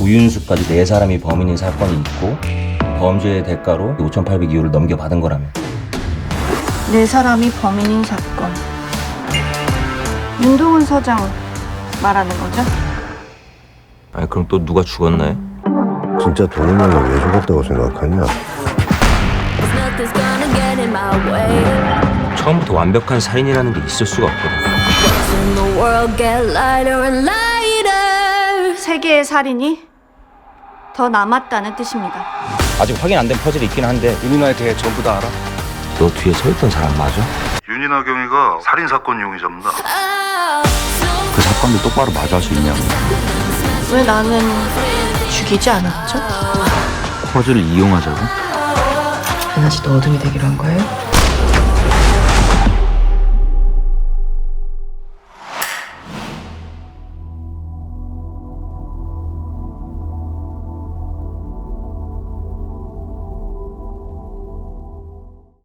조윤수까지 4사람이 범인인 사건이 있고 범죄의 대가로 5,800이호를 넘겨받은 거라며. 4사람이 범인인 사건. 윤동훈 서장 말하는 거죠? 아니 그럼 또 누가 죽었나요? 진짜 동훈이가 왜 죽었다고 생각하냐? 처음부터 완벽한 살인이라는 게 있을 수가 없거든. 세계의 살인이 더 남았다는 뜻입니다. 아직 확인 안 된 퍼즐이 있긴 한데 윤인아에 대해 전부 다 알아? 너 뒤에 서 있던 사람 맞아? 윤인아 경위가 살인사건 용의자입니다. 그 사건도 똑바로 마주할 수 있냐고. 왜 나는 죽이지 않았죠? 퍼즐을 이용하자고? 하나씩 더 어둠이 되기로 한 거예요?